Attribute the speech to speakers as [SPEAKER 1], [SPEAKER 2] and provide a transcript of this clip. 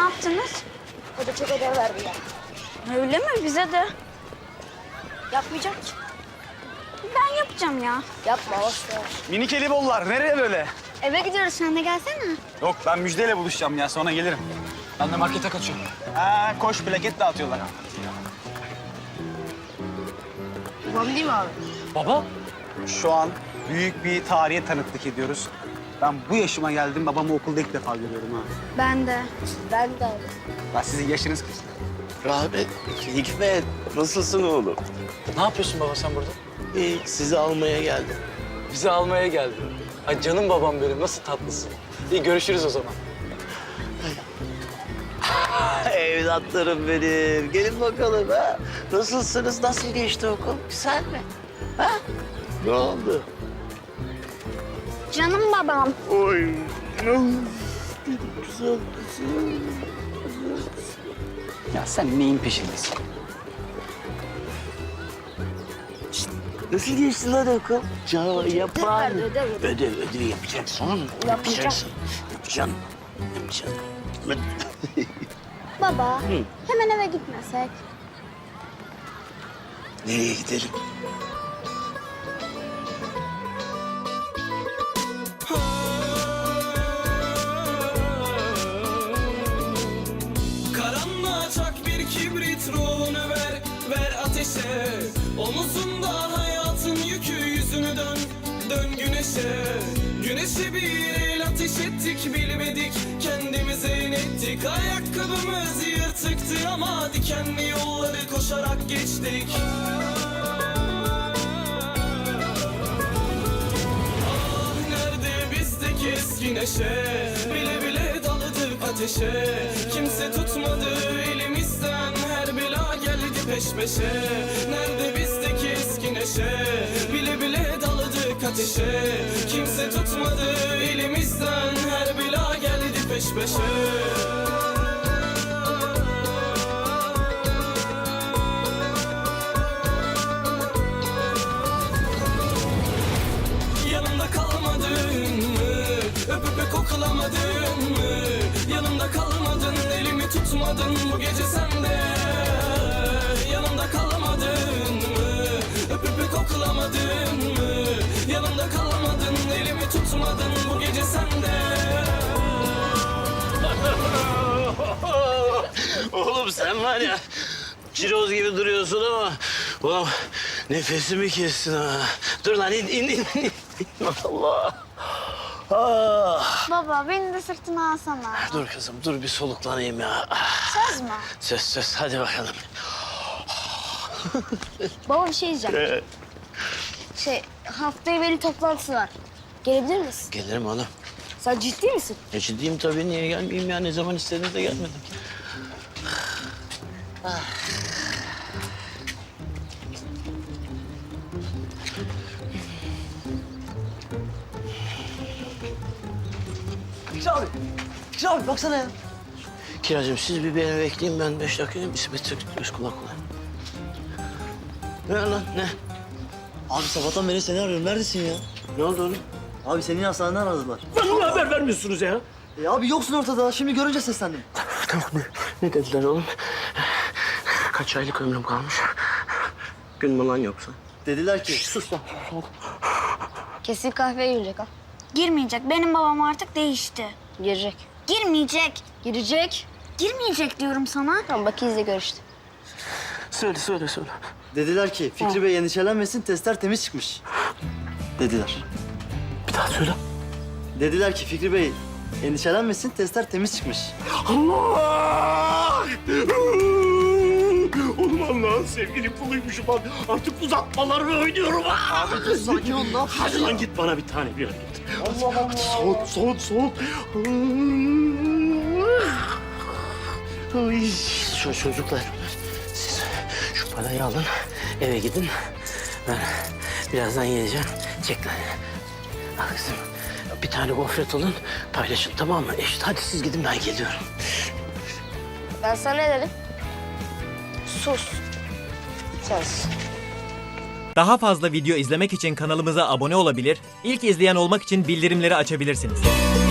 [SPEAKER 1] yaptınız?
[SPEAKER 2] Hoca çok ödev verdi ya.
[SPEAKER 1] Öyle mi? Bize de.
[SPEAKER 2] Yapmayacak ki.
[SPEAKER 1] Ben yapacağım ya.
[SPEAKER 2] Yapma boş ver.
[SPEAKER 3] Minik Elibollar nereye böyle?
[SPEAKER 1] Eve gidiyoruz, sen de gelsene.
[SPEAKER 3] Yok ben Müjde'yle buluşacağım ya sonra gelirim.
[SPEAKER 4] Ben de markete kaçıyorum.
[SPEAKER 3] Ha koş plaket dağıtıyorlar.
[SPEAKER 2] Babam değil mi abi?
[SPEAKER 4] Baba?
[SPEAKER 3] Şu an büyük bir tarihe tanıklık ediyoruz. Ben bu yaşıma geldim babamı okulda ilk defa görüyorum ha.
[SPEAKER 1] Ben de.
[SPEAKER 2] Ben de abi.
[SPEAKER 3] Ya sizin yaşınız kaç?
[SPEAKER 5] Rahmet, Hikmet, nasılsın oğlum?
[SPEAKER 4] Ne yapıyorsun baba sen burada?
[SPEAKER 5] İyi, sizi almaya geldim.
[SPEAKER 4] Bizi almaya geldin. Ay canım babam benim, nasıl tatlısın. İyi görüşürüz o zaman.
[SPEAKER 5] Evlatlarım benim, gelin bakalım ha. Nasılsınız, nasıl geçti okul? Güzel mi? Ha? Ne oldu?
[SPEAKER 1] Canım babam.
[SPEAKER 5] Oy, güzel kızım.
[SPEAKER 3] Ya sen neyin peşindesin?
[SPEAKER 5] Nasıl geçti lan okul? Yapar.
[SPEAKER 2] verdi, ödev.
[SPEAKER 5] Ödev yapacaksın. Yapacaksın. Yapacaksın.
[SPEAKER 1] Baba, hemen eve gitmesek.
[SPEAKER 5] Nereye gidelim?
[SPEAKER 6] Karanlığa çak bir kibrit, ruhunu ver, ver ateşe. Omuzunda hayatın yükü, yüzünü dön, dön güneşe. Güneşe bir el ateş ettik, bilmedik kendimize inettik. Ayakkabımız yırtıktı ama dikenli yolları koşarak geçtik. Ah nerede bizdeki eski neşe, bile bile daladık ateşe. Kimse tutmadı elimizden, her bela geldi peş peşe. Nerede bizdeki eski neşe, bile bile daladık ateşe. Kimse tutmadı elimizden, her bela geldi peş peşe. Yanımda kalmadın mı? Öpüp öp koklamadın mı? Yanımda kalmadın, elimi tutmadın bu gece sen de. Yanımda kalmadın mı? Öpüp öp koklamadın mı? Yanımda kalmadın, elimi tutmadın bu gece sen de.
[SPEAKER 5] Oğlum sen var ya, ciroz gibi duruyorsun ama... Ulan nefesimi kestin ha. Dur lan in. Allah. Ah.
[SPEAKER 1] Baba, beni de sırtına alsana.
[SPEAKER 5] Dur kızım, dur bir soluklanayım ya.
[SPEAKER 1] Söz mü?
[SPEAKER 5] Söz, hadi bakalım.
[SPEAKER 2] Baba bir şey diyeceğim. Haftaya veli toplantısı var. Gelebilir misin?
[SPEAKER 5] Gelirim oğlum.
[SPEAKER 2] Sen ciddi misin?
[SPEAKER 5] Ciddiyim tabii, niye gelmeyeyim ya? Ne zaman istediğinizde gelmedim.
[SPEAKER 7] Güzel abi baksana ya.
[SPEAKER 5] Kiracığım siz bir beni bekleyin, ben 5 dakikayım. İsmet göz kulak kulak. Ne lan, ne?
[SPEAKER 7] Abi sabahtan beri seni arıyorum. Neredesin ya?
[SPEAKER 5] Ne oldu oğlum?
[SPEAKER 7] Abi seni hastaneden aradılar.
[SPEAKER 5] Bana haber vermiyorsunuz ya.
[SPEAKER 7] Abi yoksun ortada. Şimdi görünce seslendim.
[SPEAKER 5] Tamam, ne dediler oğlum? Kaç aylık ömrüm kalmış? Gün mü lan yoksa?
[SPEAKER 7] Dediler ki...
[SPEAKER 5] Sus lan.
[SPEAKER 2] Kesin kahveye girecek ha.
[SPEAKER 1] Girmeyecek. Benim babam artık değişti.
[SPEAKER 2] Girecek.
[SPEAKER 1] Girmeyecek.
[SPEAKER 2] Girecek.
[SPEAKER 1] Girmeyecek diyorum sana.
[SPEAKER 2] Tamam bak izle gör işte.
[SPEAKER 5] Söyle.
[SPEAKER 7] Dediler ki Fikri Bey endişelenmesin, testler temiz çıkmış. Dediler.
[SPEAKER 5] Bir daha söyle.
[SPEAKER 7] Dediler ki Fikri Bey endişelenmesin, testler temiz çıkmış.
[SPEAKER 5] Allah! Oğlum Allah'ın sevgili kuluymuşum lan. Artık uzatmalarını oynuyorum.
[SPEAKER 7] Abi dur sakin ol, ne yapıyorsun?
[SPEAKER 5] Hadi lan git bana bir tane bir git.
[SPEAKER 7] Allah Allah.
[SPEAKER 5] Soğut. Ay, şu çocuklar, siz şu parayı alın, eve gidin. Ben birazdan geleceğim. Çek lan. Al kızım. Bir tane gofret alın, paylaşın tamam mı? Eşit. Hadi siz gidin, ben geliyorum.
[SPEAKER 2] Ben sana ne dedim? Sus. Söz.
[SPEAKER 8] Daha fazla video izlemek için kanalımıza abone olabilir, ilk izleyen olmak için bildirimleri açabilirsiniz.